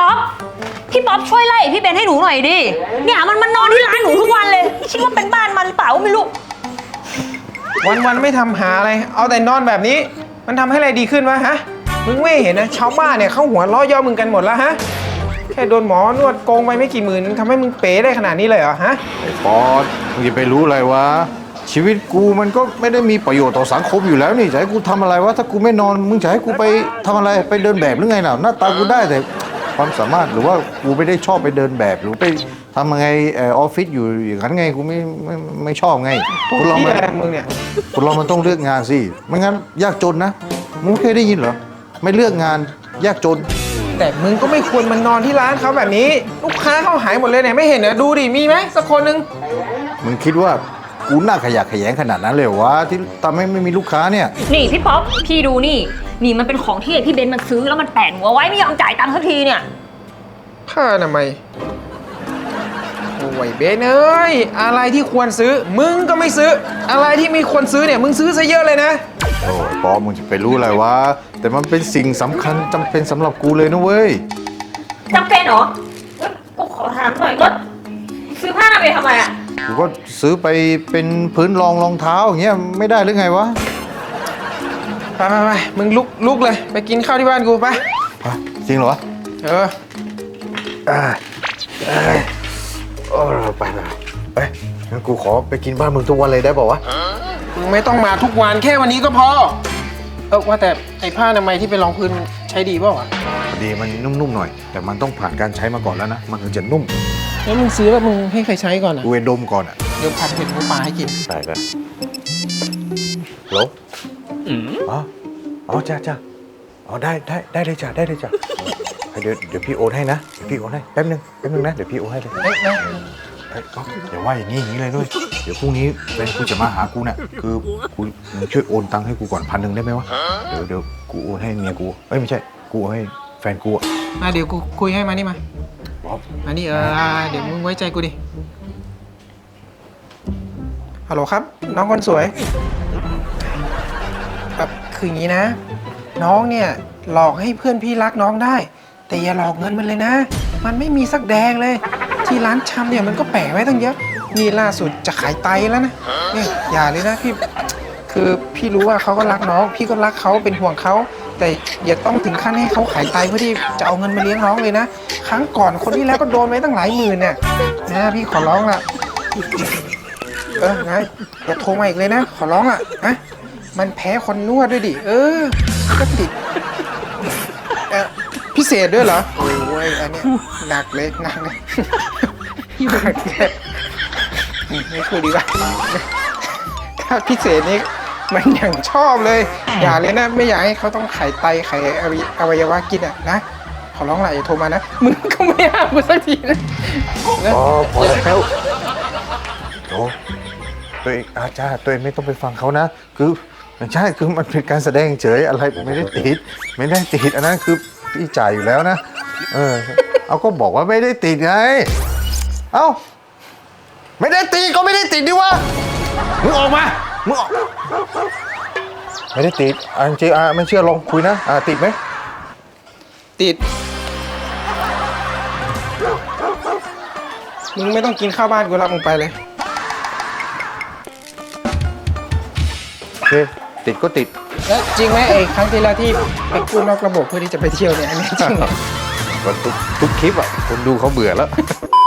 พี่ป๊อปช่วยไล่พี่เบนให้หนูหน่อยดิเนี่ยมันนอนที่ร้านหนูทุกวันเลยคิดว่าเป็นบ้านมันหรือเปล่าไม่รู้วันไม่ทำหาอะไรเอาแต่นอนแบบนี้มันทำให้อะไรดีขึ้นวะฮะมึงไม่เห็นนะชาวบ้านเนี่ยเขาหัวล้อย่อมึงกันหมดแล้วฮะแค่โดนหมอนวดโกงไปไม่กี่หมื่นทำให้มึงเป๋ได้ขนาดนี้เลยเหรอฮะไอ้ปอดมึงจะไปรู้อะไรวะชีวิตกูมันก็ไม่ได้มีประโยชน์ต่อสังคมอยู่แล้วนี่จะให้กูทำอะไรวะถ้ากูไม่นอนมึงจะให้กูไปทำอะไรไปเดินแบบหรือไงน่ะหน้าตากูได้แต่ความสามารถหรือว่ากูไม่ได้ชอบไปเดินแบบหรือไปทำยังไงออฟฟิศอยู่อย่างนั้นไงกูไม่ชอบไงคนเรามึงเนี่ยคนเรามันต้องเลือกงานสิไม่งั้นยากจนนะมึงเคยได้ยินเหรอไม่เลือกงานยากจนแต่มึงก็ไม่ควรมานอนที่ร้านเขาแบบนี้ลูกค้าเขาหายหมดเลยเนี่ยไม่เห็นเหรอดูดิมีไหมสักคนนึงมึงคิดว่ากูน่าขยะแขยงขนาดนั้นเลยเหรอวะที่ทำให้ไม่มีลูกค้าเนี่ยนี่พี่ป๊อปพี่ดูนี่มันเป็นของที่พี่เบนมันซื้อแล้วมันแปะหัวไว้ไม่ยอมจ่ายตังค์สักทีเนี่ยผ้าอนามัยโอ้ยเบนเอ้ยอะไรที่ควรซื้อมึงก็ไม่ซื้ออะไรที่ไม่ควรซื้อเนี่ยมึงซื้อซะเยอะเลยนะโอ้ปอมึงจะไปรู้อะไรวะแต่มันเป็นสิ่งสำคัญจำเป็นสำหรับกูเลยนะเว้ยจำเป็นเหรอก็ขอถามหน่อยก็ซื้อผ้าอนามัยทำไมอ่ะกูก็ซื้อไปเป็นพื้นรองเท้าอย่างเงี้ยไม่ได้หรือไงวะไปมึงลุกเลยไปกินข้าวที่บ้านกูไปจริงเหรอไปงั้นกูขอไปกินบ้านมึงทุกวันเลยได้ป่าววะมึงไม่ต้องมาทุกวันแค่วันนี้ก็พอว่าแต่ไอ้ผ้าอนามัยที่เป็นรองพื้นใช้ดีเปล่าวะดีมันนุ่มๆหน่อยแต่มันต้องผ่านการใช้มาก่อนแล้วนะมันถึงจะนุ่มแล้วมึงซื้อแล้วมึงให้ใครใช้ก่อนอ่ะกูเวนดมก่อนอ่ะเดี๋ยวผัดเผ็ดหมูปลาให้กินได้เลยโหลอ๋อจ้าอ๋อได้เลยจ้าได้เลยจ้าเดี๋ยวพี่โอนให้นะเดี๋ยวพี่โอนให้แป๊บนึงนะเดี๋ยวพี่โอนให้เลยเดี๋ยวว่าอย่างนี้เลยด้วยเดี๋ยวพรุ่งนี้เป็นกูจะมาหากูเนี่ยคือกูช่วยโอนตังค์ให้กูก่อน1,000ได้ไหมวะเดี๋ยวกูโอนให้เมียกูไม่ใช่กูโอนให้แฟนกูเดี๋ยวกูคุยให้มานี่มาอันนี้เดี๋ยวมึงไว้ใจกูดิฮัลโหลครับน้องคนสวยคืออย่างนี้นะน้องเนี่ยหลอกให้เพื่อนพี่รักน้องได้แต่อย่าหลอกเงินมันเลยนะมันไม่มีสักแดงเลยที่ร้านชำเนี่ยมันก็แปะไว้ตั้งเยอะนี่ล่าสุดจะขายไตแล้วนะเนี่ยอย่าเลยนะพี่คือพี่รู้ว่าเขาก็รักน้องพี่ก็รักเขาเป็นห่วงเขาแต่อย่าต้องถึงขั้นให้เขาขายไตเพื่อที่จะเอาเงินมาเลี้ยงน้องเลยนะครั้งก่อนคนที่แล้วก็โดนไปตั้งหลายหมื่นเนี่ยนะพี่ขอร้องละนะอย่าโทรมาอีกเลยนะขอร้องนะมันแพ้คนนวดด้วยดิก็ติดพิเศษด้วยเหรอโอ้ยอันนี้หนักเลยพี่หนักเลยไม่คุยดีกว่าถ้าพิเศษนี้มันอย่างชอบเลยอย่าเลยนะไม่อยากให้เขาต้องไขไตไขอวัยวะกินนะขอร้องหน่อยอย่าโทรมานะมึงก็ไม่ห้ามกูสักทีนะพอแล้วโอ้ตัวเองอาจารย์ตัวเองไม่ต้องไปฟังเขานะคือใช่คือมันเป็นการแสดงเฉยอะไรไม่ได้ติดอันนั้นคือพี่จ่ายอยู่แล้วนะเอาก็บอกว่าไม่ได้ติดไงไม่ได้ติดก็ไม่ได้ติดดิวะมึงออกมามึงออกไม่ได้ติดจริงไม่เชื่อลองคุยนะติดไหมติดมึงไม่ต้องกินข้าวบ้านกูรับมึงไปเลยโอเคติดก็ติดแล้วจริงไหมไอ้ครั้งที่แล้วที่ไปกู้นอกระบบเพื่อที่จะไปเที่ยวเนี่ยอันนี้จริงเหรอทุกคลิปคนดูเขาเบื่อแล้ว